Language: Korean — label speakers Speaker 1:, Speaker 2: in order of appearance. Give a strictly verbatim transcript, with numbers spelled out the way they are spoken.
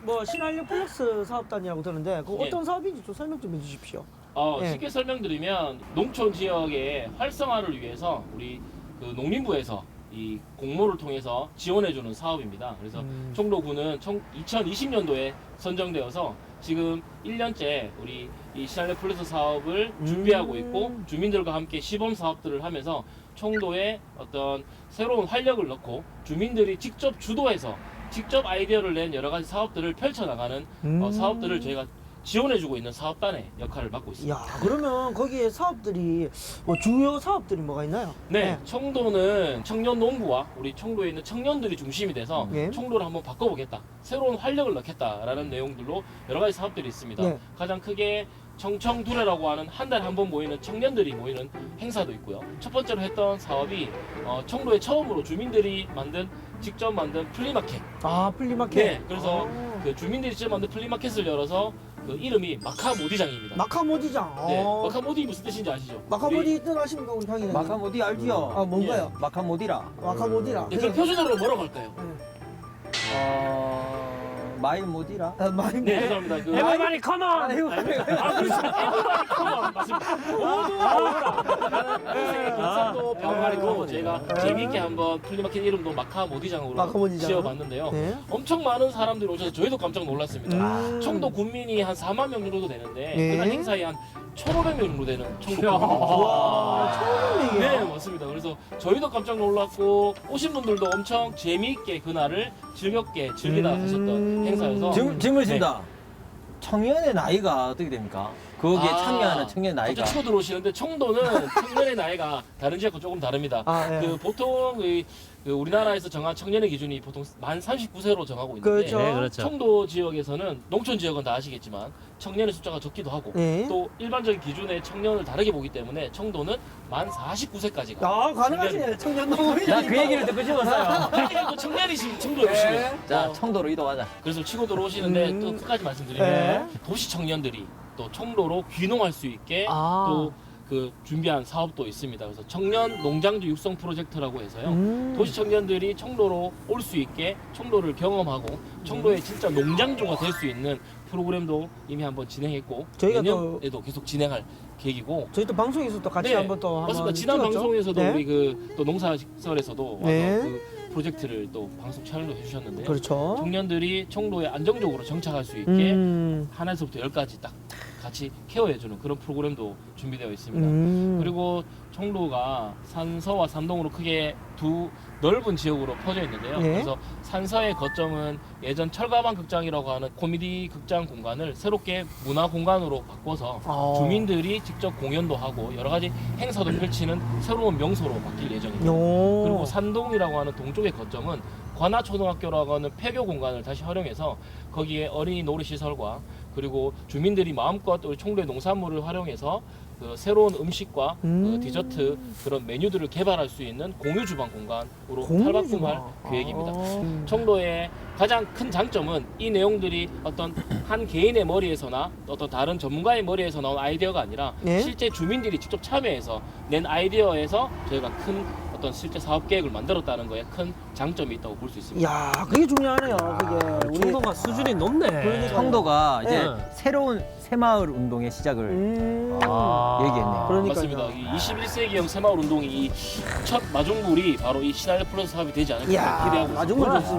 Speaker 1: 뭐 신한력 플렉스 사업단이라고 들었는데 그
Speaker 2: 예.
Speaker 1: 어떤 사업인지 좀 설명 좀 해주십시오.
Speaker 2: 어,
Speaker 1: 예.
Speaker 2: 쉽게 설명드리면 농촌 지역의 활성화를 위해서 우리 그 농림부에서 이 공모를 통해서 지원해주는 사업입니다. 그래서
Speaker 1: 음.
Speaker 2: 청도군은 이천이십 년도에 선정되어서 지금 일 년째 우리 이 신한력 플러스 사업을
Speaker 1: 음.
Speaker 2: 준비하고 있고 주민들과 함께 시범 사업들을 하면서 청도에 어떤 새로운 활력을 넣고 주민들이 직접 주도해서 직접 아이디어를 낸 여러 가지 사업들을 펼쳐나가는
Speaker 1: 음.
Speaker 2: 어, 사업들을 저희가 지원해주고 있는 사업단의 역할을 맡고 있습니다.
Speaker 1: 야 그러면 거기에 사업들이 뭐 주요 사업들이 뭐가 있나요?
Speaker 2: 네, 청도는 청년 농부와 우리 청도에 있는 청년들이 중심이 돼서
Speaker 1: 예.
Speaker 2: 청도를 한번 바꿔보겠다, 새로운 활력을 넣겠다라는 내용들로 여러 가지 사업들이 있습니다.
Speaker 1: 예.
Speaker 2: 가장 크게 청청두레라고 하는 한 달에 한 번 모이는 청년들이 모이는 행사도 있고요. 첫 번째로 했던 사업이 어, 청도에 처음으로 주민들이 만든 직접 만든 플리마켓.
Speaker 1: 아 플리마켓.
Speaker 2: 네, 그래서
Speaker 1: 아.
Speaker 2: 그 주민들이 직접 만든 플리마켓을 열어서 그 이름이 마카모디장입니다.
Speaker 1: 마카모디장.
Speaker 2: 네,
Speaker 1: 어.
Speaker 2: 마카모디 무슨 뜻인지 아시죠?
Speaker 1: 마카모디 뜻 아십니까 우리 강의는?
Speaker 3: 마카모디 알지요?
Speaker 1: 아 뭔가요?
Speaker 3: 마카모디라.
Speaker 1: 마카모디라.
Speaker 2: 네, 그럼 표준어로 뭐라고 할까요?
Speaker 3: 어 마일모디라.
Speaker 1: 아, 많이
Speaker 2: 네, 죄송합니다. 그
Speaker 4: Everybody come on!
Speaker 2: 아, 그렇죠. 에브리바디 컴온 맞습니다. 모두 나오라. 인생의 경상도 병아리고 저희가 재미있게 한번 플리마켓 이름도 마카모디장으로
Speaker 1: 마카모디장.
Speaker 2: 지어봤는데요.
Speaker 1: 네.
Speaker 2: 엄청 많은 사람들이 오셔서 저희도 깜짝 놀랐습니다.
Speaker 1: 음.
Speaker 2: 청도 군민이 한 사만 명 정도 되는데
Speaker 1: 네.
Speaker 2: 그날 행사에 한 천오백 명 정도 되는 청도 군민.
Speaker 1: 와 처음
Speaker 2: 네,
Speaker 1: 얘기야.
Speaker 2: 맞습니다. 그래서 저희도 깜짝 놀랐고 오신 분들도 엄청 재미있게 그날을 즐겁게 즐기다
Speaker 1: 음.
Speaker 2: 가셨던 행사여서
Speaker 3: 질문 질문 있습니다. 청년의 나이가 어떻게 됩니까? 거기에
Speaker 2: 아,
Speaker 3: 참여하는 청년 나이가.
Speaker 2: 갑자기 치고 들어오시는데 청도는 청년의 나이가 다른 지역과 조금 다릅니다.
Speaker 1: 아, 예.
Speaker 2: 그 보통 그, 그 우리나라에서 정한 청년의 기준이 보통 만 삼십구 세로 정하고 있는데
Speaker 1: 그렇죠.
Speaker 4: 네, 그렇죠.
Speaker 2: 청도 지역에서는 농촌 지역은 다 아시겠지만 청년의 숫자가 적기도 하고
Speaker 1: 네.
Speaker 2: 또 일반적인 기준의 청년을 다르게 보기 때문에 청도는 만 사십구 세까지가
Speaker 1: 아 가능하시네 청년 농업이.
Speaker 3: 나 그 얘기를 듣고 싶었어요.
Speaker 2: 또 청년이신 청도에 오시면
Speaker 1: 네.
Speaker 3: 자
Speaker 2: 어,
Speaker 3: 청도로 이동하자.
Speaker 2: 그래서 치고 들어오시는데
Speaker 1: 음.
Speaker 2: 또 끝까지 말씀드리면
Speaker 1: 네.
Speaker 2: 도시 청년들이 또 청도로 귀농할 수 있게
Speaker 1: 아.
Speaker 2: 또 그 준비한 사업도 있습니다. 그래서 청년 농장주 육성 프로젝트라고 해서요.
Speaker 1: 음.
Speaker 2: 도시 청년들이 청도로 올 수 있게 청도를 경험하고 청도에 진짜 농장주가 될 수 있는 프로그램도 이미 한번 진행했고
Speaker 1: 저희가
Speaker 2: 내년에도 계속 진행할 계획이고
Speaker 1: 저희 또 방송에서 또 같이
Speaker 2: 네,
Speaker 1: 한번 또 한번
Speaker 2: 맞습니다. 지난
Speaker 1: 찍었죠?
Speaker 2: 방송에서도
Speaker 1: 네.
Speaker 2: 우리 그 또 농사시설에서도 와서
Speaker 1: 네.
Speaker 2: 그 프로젝트를 또 방송 촬영도 해주셨는데요.
Speaker 1: 그렇죠.
Speaker 2: 청년들이 청도에 안정적으로 정착할 수 있게
Speaker 1: 음.
Speaker 2: 하나에서부터 열까지 딱 같이 케어해주는 그런 프로그램도 준비되어 있습니다.
Speaker 1: 음.
Speaker 2: 그리고 청도가 산서와 산동으로 크게 두 넓은 지역으로 퍼져 있는데요.
Speaker 1: 네.
Speaker 2: 그래서 산서의 거점은 예전 철가방 극장이라고 하는 코미디 극장 공간을 새롭게 문화 공간으로 바꿔서
Speaker 1: 아.
Speaker 2: 주민들이 직접 공연도 하고 여러 가지 행사도 펼치는 새로운 명소로 바뀔 예정입니다.
Speaker 1: 요.
Speaker 2: 그리고 산동이라고 하는 동쪽의 거점은 관아초등학교라고 하는 폐교 공간을 다시 활용해서 거기에 어린이 놀이시설과 그리고 주민들이 마음껏 우리 청도의 농산물을 활용해서 그 새로운 음식과
Speaker 1: 음.
Speaker 2: 그 디저트 그런 메뉴들을 개발할 수 있는 공유 주방 공간으로
Speaker 1: 공유
Speaker 2: 탈바꿈할
Speaker 1: 주방.
Speaker 2: 계획입니다.
Speaker 1: 아.
Speaker 2: 청도의 가장 큰 장점은 이 내용들이 어떤 한 개인의 머리에서나 어떤 다른 전문가의 머리에서 나온 아이디어가 아니라
Speaker 1: 네?
Speaker 2: 실제 주민들이 직접 참여해서 낸 아이디어에서 저희가 큰 어떤 실제 사업 계획을 만들었다는 거에 큰 장점이 있다고 볼 수 있습니다.
Speaker 1: 야 그게 중요하네요. 그게 우리
Speaker 4: 청도가 수준이 높네.
Speaker 1: 그러니까요.
Speaker 3: 청도가 이제
Speaker 4: 네.
Speaker 3: 새로운 새마을 운동의 시작을
Speaker 1: 음.
Speaker 4: 아.
Speaker 3: 얘기했네요.
Speaker 1: 그러니까요.
Speaker 2: 맞습니다. 이 이십일 세기형 새마을 운동이 이 첫 마중물이 바로 이 신한력 플러스 사업이 되지 않을까
Speaker 1: 이야
Speaker 2: 기대하고 있습니다.
Speaker 1: 마중물 좋습니다.